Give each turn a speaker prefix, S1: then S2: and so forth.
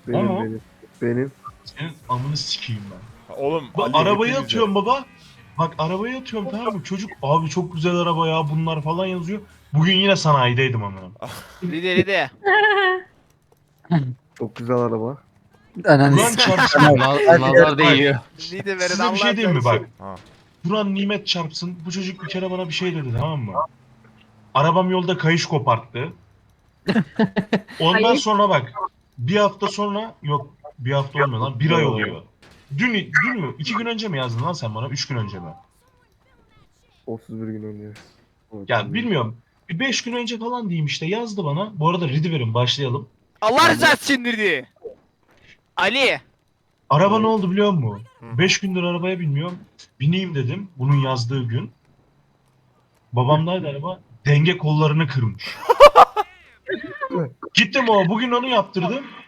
S1: O mu?
S2: Benim.
S1: Senin amını sikeyim ben.
S3: Oğlum
S1: Bu
S3: Ali
S1: arabayı
S3: hepimize.
S1: atıyorum baba. Bak arabayı atıyorum tamam mı? Çocuk abi çok güzel araba ya bunlar falan yazıyor. Bugün yine sanayideydim amına.
S4: Lide.
S2: Çok güzel araba.
S5: Ananı
S1: Kur'an çarpsın.
S6: Nazar değiyor.
S4: Lide verin
S1: Size bir şey
S4: Allah
S1: diyeyim mi bak?
S3: Ha.
S1: Kur'an nimet çarpsın. Bu çocuk bir kere bana bir şey dedi tamam mı? Arabam yolda kayış koparttı. Ondan
S7: Hayır.
S1: sonra bak. Bir hafta sonra yok bir hafta olmuyor lan. Bir ay oluyor. Dün mü? 2 gün önce mi yazdın lan sen bana? 3 gün önce mi?
S2: 31 gün önce.
S1: Ya bilmiyorum. Bir 5 gün önce falan diyeyim işte yazdı bana. Bu arada Ridiver'in başlayalım.
S4: Allah rızası için Lide. Ali.
S1: Araba ne oldu biliyor musun?
S3: Hı.
S1: 5 gündür arabaya binmiyorum. Bineyim dedim bunun yazdığı gün. Babamdaydı araba. Denge kollarını kırmış. Gittim o bugün onu yaptırdım.